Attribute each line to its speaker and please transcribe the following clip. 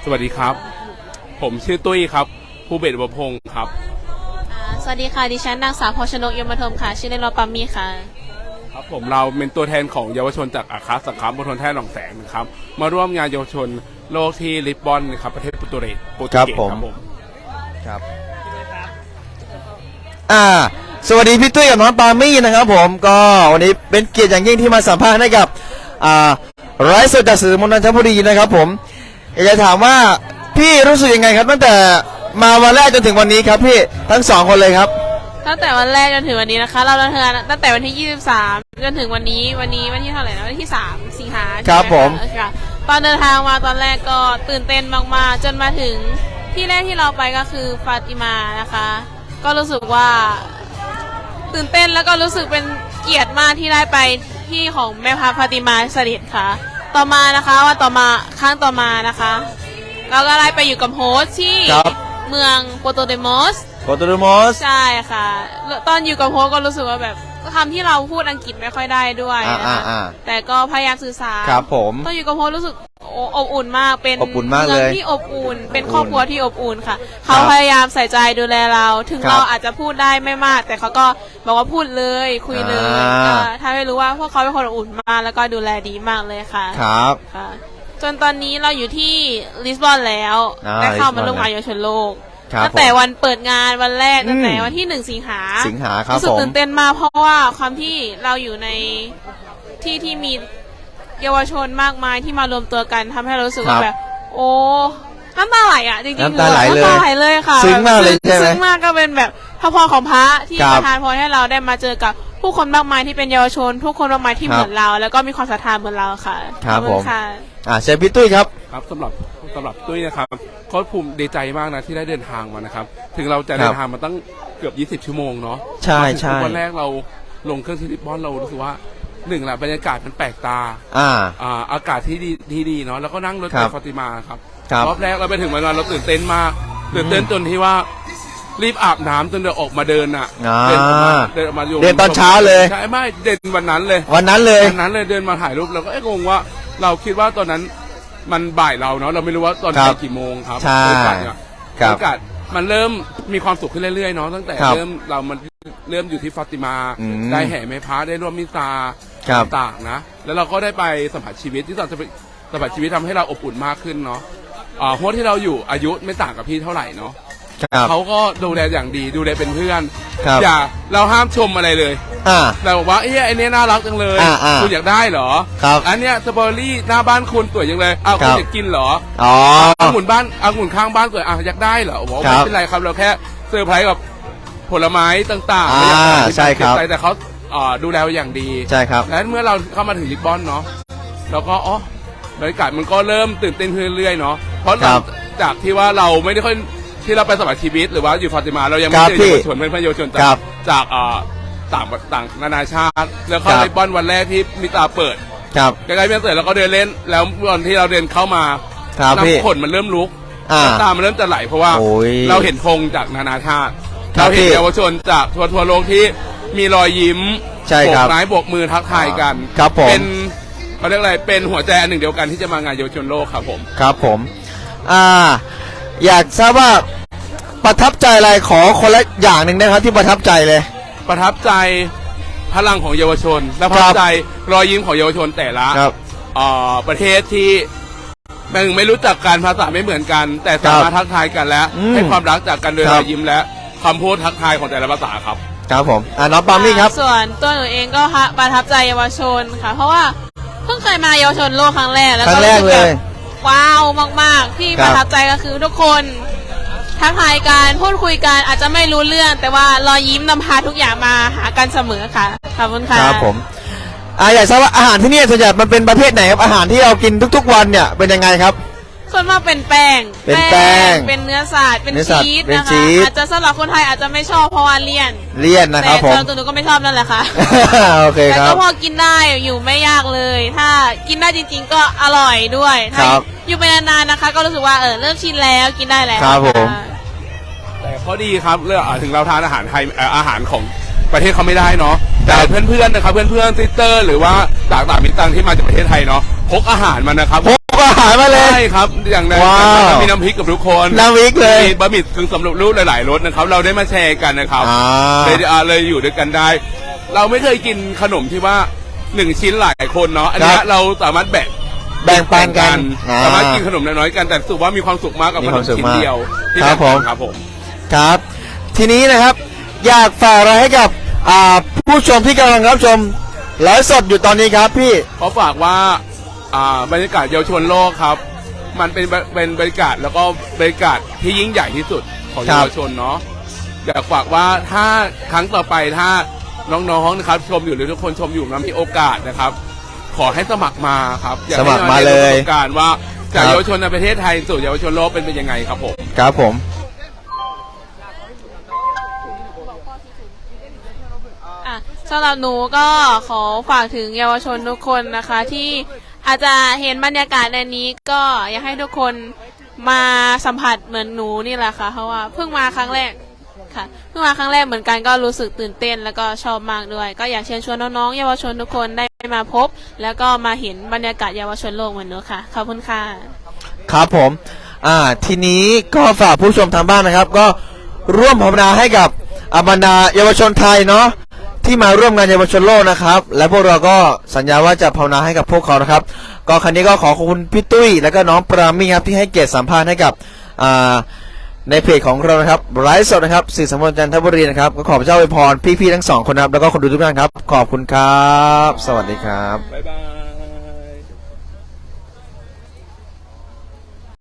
Speaker 1: สวัสดีครับผมชื่อตุ้ยครับภูเบศร อุปพงศ์ครับ
Speaker 2: สวัสดีค่ะดิฉันนางสาวพชนกยมธมค่ะชื่อเล่นว่าปัมมี่ค่ะ
Speaker 1: ครับผมเราเป็นตัวแทนของเยาวชนจากอาคาสังคมมณฑลแท่หนองแสงนะครับมาร่วมงานเยาวชนโลกที่ลิสบอนนะครับประเทศโปรตุเกสครับผม
Speaker 3: ครับสวัสดีพี่ตุ้ยกับน้องปามี่นะครับผมก็วันนี้เป็นเกียรติอย่างยิ่งที่มาสัมภาษณ์ให้กับไร้สดจากสื่อมวลชนนนทบุรีนะครับผมอยากจะถามว่าพี่รู้สึกยังไงครับตั้งแต่มาวันแรกจนถึงวันนี้ครับพี่ทั้งสองคนเลยครับ
Speaker 2: ตั้งแต่วันแรกจนถึงวันนี้นะคะเราเดินทางตั้งแต่วันที่23จนถึงวันนี้วันที่เท่าไหร่นะวันที่3สิงหา
Speaker 3: ครับผม
Speaker 2: ตอนเดินทางมาตอนแรกก็ตื่นเต้นมากๆจนมาถึงที่แรกที่เราไปก็คือฟาติมานะคะก็รู้สึกว่าตื่นเต้นแล้วก็รู้สึกเป็นเกียรติมากที่ได้ไปที่ของแม่พระฟาติมาเสด็จค่ะต่อมานะคะวันต่อมาครั้งต่อมานะคะเราก็ได้ไปอยู่กับโฮสที่เมืองโปโตเดโมสใช่ค่ะตอนอยู่กับโฮสก็รู้สึกว่าแบบคำที่เราพูดอังกฤษไม่ค่อยได้ด้วยนะคะแต่ก็พยายามสื่อสาร
Speaker 3: ครับผม
Speaker 2: ตอนอยู่กับโฮสรู้สึกอบอุ่นมากเป็น
Speaker 3: เมื
Speaker 2: องที่อบอุ่นเป็นครอบครัวที่อบอุ่นค่ะเขาพยายามใส่ใจดูแลเราถึงเราอาจจะพูดได้ไม่มากแต่เขาก็บอกว่าพูดเลยคุยเลยทำให้รู้ว่าพวกเขาเป็นคนอบอุ่นมากแล้วก็ดูแลดีมากเลยค่ะ
Speaker 3: ครับ
Speaker 2: ค่ะจนตอนนี้เราอยู่ที่ลิสบอนแล้วได้เข้ามาร่วมงานเยาวชนโลกตั้งแต่วันเปิดงานวันแรกตั้งแต่วันที่1 สิงหา
Speaker 3: ครับ
Speaker 2: รู้สึกตื่นเต้นมากเพราะว่าความที่เราอยู่ในที่มีเยาวชนมากมายที่มารวมตัวกันทำให้เรารู้สึกว่าแบบโอ้น้ำตาไหลอ่ะจริงๆ
Speaker 3: น้ำตาไหล
Speaker 2: เลยค่ะ
Speaker 3: ซึ้งมากเลยใช่ไหม
Speaker 2: ซึ้งมากก็เป็นแบบพระพรของพระที่ประทานพรให้เราได้มาเจอกับผู้คนมากมายที่เป็นเยาวชนผู้คนมากมายที่เหมือนเราแล้วก็มีความศรัทธาเหมือนเราค่ะ
Speaker 3: ครับผมเชิญพี่ตุ้ยครับ
Speaker 1: ครับสำหรับตุ้ยนะครับก็ภูมิดีใจมากนะที่ได้เดินทางมานะครับถึงเราจะเดินทางมาตั้งเกือบ20 ชั่วโมงเนาะ
Speaker 3: ใช่ใช่
Speaker 1: วันแรกเราลงเครื่องที่ลิสบอนเรารู้สึกว่าหนึ่งแหละบรรยากาศมันแปลกตาอากาศที่ดีเนาะแล้วก็นั่งรถไปฟาติมาครับรอบแรกเราไปถึงวันเราตื่นเต้นมากตื่นเต้นจนที่ว่ารีบอาบน้ำจนเดินออกมาเดินเดินออกมา
Speaker 3: เดินตอนเช้าเลย
Speaker 1: ใช่ไม่เดินวันนั้นเลยเดินมาถ่ายรูปเราก็งงว่าเราคิดว่าตอนนั้นมันบ่ายเราเนาะเราไม่รู้ว่าตอนกี่โมงครับ
Speaker 3: ใช่
Speaker 1: อากาศมันเริ่มมีความสุขขึ้นเรื่อยๆเนาะตั้งแต่เริ่มอยู่ที่ฟาติมาได้แห่แม่พระได้ร่วมมิซาต่างๆนะแล้วเราก็ได้ไปสัมผัสชีวิตที่สัมผัสชีวิตทำให้เราอบอุ่นมากขึ้นเนาะเพราะที่เราอยู่อายุไม่ต่างกับพี่เท่าไหร่เนาะเขาก็ดูแลอย่างดีดูแลเป็นเพื่อนอย่าเราห้ามชมอะไรเลยแต่บอกว่าไอ้นี่น่ารักจังเลยคุณอยากได้เหรออันเนี้ยสตรอเบอรี่หน้าบ้านคุณสวยจังเลยคุณอยากกินเหรอองุ่นข้างบ้านสวยอยากได้เหรอบอกไม่เป็นไรครับเราแค่เซอร์ไพรส์กับผลไม้ต่าง
Speaker 3: ๆใช่ครับ
Speaker 1: แต่เขาดูแลอย่างดี
Speaker 3: ใช่ครับ
Speaker 1: และเมื่อเราเข้ามาถึงลิสบอนเนาะเราก็บรรยากาศมันก็เริ่มตื่นเต้นขึ้นเรื่อยๆเนาะเพราะจากที่ว่าเราไม่ได้ค่อยที่เราไปสมัครชีวิตหรือว่าอยู่ฟาติมาเรายังไม่เจอเยาวชนเป็นเยาวชนจากต่างนานาชาติแล้วเข้าลิสบอนวันแรกที่มิตาเปิดใกล้ๆมิตาเปิดเราก็เดินเล่นแล้ววันที่เราเดินเข้ามาน้ำขนมันเริ่มลุกน้ำตามันเริ่มจะไหลเพราะว่าเราเห็นธงจากนานาชาติเราเห็นเยาวชนจากทั่วโลกที่มีรอยยิ้มโบกไม้โบกมือทักทายกันเป็นเขาเรียกอะไรเป็นหัวใจอันหนึ่งเดียวกันที่จะมางานเยาวชนโลกครับผม
Speaker 3: อยากทราบว่าประทับใจอะไรขอคนละอย่างหนึ่งนะครับที่ประทับใจเลย
Speaker 1: ประทับใจพลังของเยาวชนและประทับใจรอยยิ้มของเยาวชนแต่ละประเทศที่ไม่รู้จักกันภาษาไม่เหมือนกันแต่สามารถทักทายกันและให้ความรักจากกันโดยรอยยิ้มและคำพูดทักทายของแต่ละภาษาครับ
Speaker 3: ครับผมน้องปามี่ครับ
Speaker 2: ส่วนตัวหนูเองก็ประทับใจเยาวชนค่ะเพราะว่าเพิ่งเคยมาเยาวชนโลกครั้งแรกแล้วก็รู้สึกแบบว้าวมากๆที่ประทับใจก็คือทุกคนทักทายกันพูดคุยกันอาจจะไม่รู้เรื่องแต่ว่ารอยยิ้มนำพาทุกอย่างมาหากันเสมอค่ะขอบคุณค่ะ
Speaker 3: ครับผมอยากทราบว่าอาหารที่นี่ส่วนใหญ่มันเป็นประเภทไหนครับอาหารที่เรากินทุกๆวันเนี่ยเป็นยังไงครับ
Speaker 2: ส่วนมากเป็นแป้งเป็นเนื้อสัตว์เป็นชีสนะคะอาจจะสำหรับคนไทยอาจจะไม่ชอบเพราะว่าเลี่ยน
Speaker 3: นะครับผม
Speaker 2: แต่ตัวหนูก็ไม่ชอบนั่นแหละค่ะ
Speaker 3: โอเคครับ
Speaker 2: แต่ก็พอกินได้อยู่ไม่ยากเลยถ้ากินได้จริงๆก็อร่อยด้วยถ้าอยู่ไปนานๆนะคะก็รู้สึกว่าเริ่มชินแล้วกินได้แล้ว
Speaker 3: ครับผม
Speaker 1: แต่ข้อดีครับเรื่องถึงเราทานอาหารไทยอาหารของประเทศเขาไม่ได้เนาะแต่เพื่อนๆนะครับเพื่อนซิสเตอร์หรือว่าต่างมิตรต่างที่มาจากประเทศไทยเนาะพกอาหารมานะครับ
Speaker 3: พกอาหายมาเลย
Speaker 1: ใช่ครับอย่างนั้น
Speaker 3: ว้าว
Speaker 1: เรามีน้ำพริกกับทุกคน
Speaker 3: น้ำพริกเลย
Speaker 1: มีบะหมี่กึ่งสำเร็จรูปหลายๆรสนะครับ เราได้มาแชร์กันนะครับ
Speaker 3: อ่า
Speaker 1: เลยอยู่ด้วยกันได้ เราไม่เคยกินขนมที่ว่า1 ชิ้นหลายคนเนาะอันเนี้ยเราสามารถแบ่ง
Speaker 3: ปันกัน
Speaker 1: สามารถกินขนมน้อยๆกันแต่รู้สึกว่ามีความสุขมากกับขนมชิ้นเดียวที่
Speaker 3: ครับผม
Speaker 1: ครับผม
Speaker 3: ครับ ทีนี้นะครับ อยากฝากอะไรให้กับผู้ชมที่กำลังรับชมไลฟ์สดอยู่ตอนนี้ครับพี่
Speaker 1: ขอฝากว่าบรรยากาศเยาวชนโลกครับ มันเป็นบรรยากาศแล้วก็บรรยากาศที่ยิ่งใหญ่ที่สุดของ
Speaker 3: ครับ
Speaker 1: เยาวชนเนาะอยากฝากว่าถ้าครั้งต่อไปถ้าน้องๆนะครับชมอยู่หรือทุกคนชมอยู่นะมีโอกาสนะครับ ขอให้สมัครมาครับอยาก
Speaker 3: ส
Speaker 1: ให้
Speaker 3: มัครมาเลย
Speaker 1: ประสบการณ์ว่าจาก
Speaker 3: ครับ
Speaker 1: เยาวชนในประเทศไทยสู่เยาวชนโลกเป็นยังไงครับผม
Speaker 3: ครับผม
Speaker 2: อ่ะสำหรับหนูก็ขอฝากถึงเยาวชนทุกคนนะคะ ที่อาจจะเห็นบรรยากาศในนี้ก็อยากให้ทุกคนมาสัมผัสเหมือนหนูนี่แหละค่ะเพราะว่าเพิ่งมาครั้งแรกค่ะเพิ่งมาครั้งแรกเหมือนกันก็รู้สึกตื่นเต้นแล้วก็ชอบมากด้วย ก็อยากเชิญชวนน้องๆเยาวชนทุกคนได้มาพบ แล้วก็มาเห็นบรรยากาศเยาวชนโลกเหมือนหนูค่ะขอบคุณค่ะ
Speaker 3: ครับผม ทีนี้ก็ฝากผู้ชมทางบ้านนะครับ ก็ร่วมภาวนาให้กับบรรดาเยาวชนไทยเนาะที่มาร่วมงานเยาวชนโลกนะครับ และพวกเราก็สัญญาว่าจะภาวนาให้กับพวกเขานะครับ ก็ครั้นี้ก็ขอขอบคุณพี่ตุ้ยและก็น้องปรามี่ครับที่ให้เกียรติสัมภาษณ์ให้กับในเพจของเรานะครับไลฟ์สดนะครับสื่อสังคมจันทบุรีนะครับก็ขอพระเจ้าอวยพรพี่ๆทั้งสองคนนะครับแล้วก็คนดูทุกท่านครับขอบคุณครับ สวัสดีครับ
Speaker 1: บ๊ายบาย